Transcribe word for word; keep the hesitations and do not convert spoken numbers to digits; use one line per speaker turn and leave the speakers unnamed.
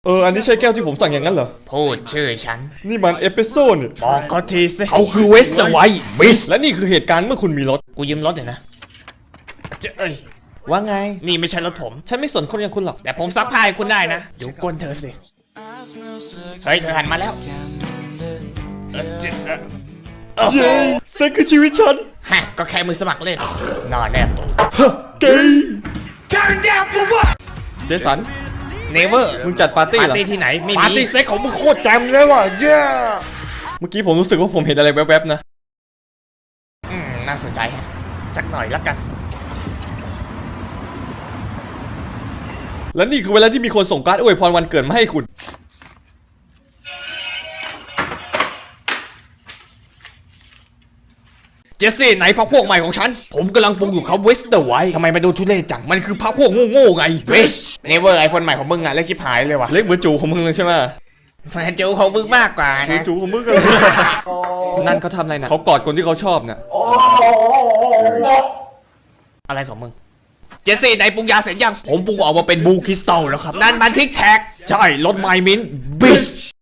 เอออันนี้ใช่แก้วที่ผมสั่งอย่างนั้นเหรอ
พูดชื่อฉัน
นี่มันเอสเปรสโซ่นี่
บอกเขาทีสิ
เขาคือเวสเตอร์ไวท์บิสและนี่คือเหตุการณ์เมื่อคุณมีรถ
กูยืมรถหน่อยนะเจ้เอ้ย
ว่าไง
นี่ไม่ใช่รถผม
ฉันไม่สนคนอย่างคุณหรอก
แต่ผมซักผ้าให้คุณได้นะดูก้นเธอสิเฮ้ยเธอหันมาแล้วเออเจ้เออ
เย้เซ็กคือชีวิตฉัน
ฮะก็แค่มือสมัครเล่นนอนแนบตัว
เกย์เจสัน
เนเวอร์
มึงจัดปาร์ตี้เหรอ
ปาร์ตี้ที่ไหนไม่มี
ปาร์ตี้เซ็กของมึงโคตรแจ่มเลยว่ะเย้เมื่อกี้ผมรู้สึกว่าผมเห็นอะไรแวบๆนะ
อืมน่าสนใจฮะสักหน่อยละกัน
และนี่คือเวลาที่มีคนส่งการ์ดอวยพรวันเกิดมาให้คุณ
เจสซี่ไหนพักพวกใหม่ของฉันผมกำลังปรุงอยู่เขาเวสเตอร์ไวท์ทำไมมาดูทุเรศจังมันคือพักพวกโง่ๆไงเวสเนเวอร์ไอโฟนใหม่ของมึงอะเล็กชิบหายเลยว่ะ
เล็กเหมือนจูของมึงเลยใช่ไหม
แฟนจูของมึงมากกว่านะ
จูของมึงกันนั่นเขาทำอะไรนะเขากอดคนที่เขาชอบเนี่ย
อะไรของมึงเจสซี่ไหนปรุงยาเสร็จยังผมปรุงออกมาเป็นบูคริสตัลแล้วครับนั่นมันทิกแท็กใช่รถไมมินบิช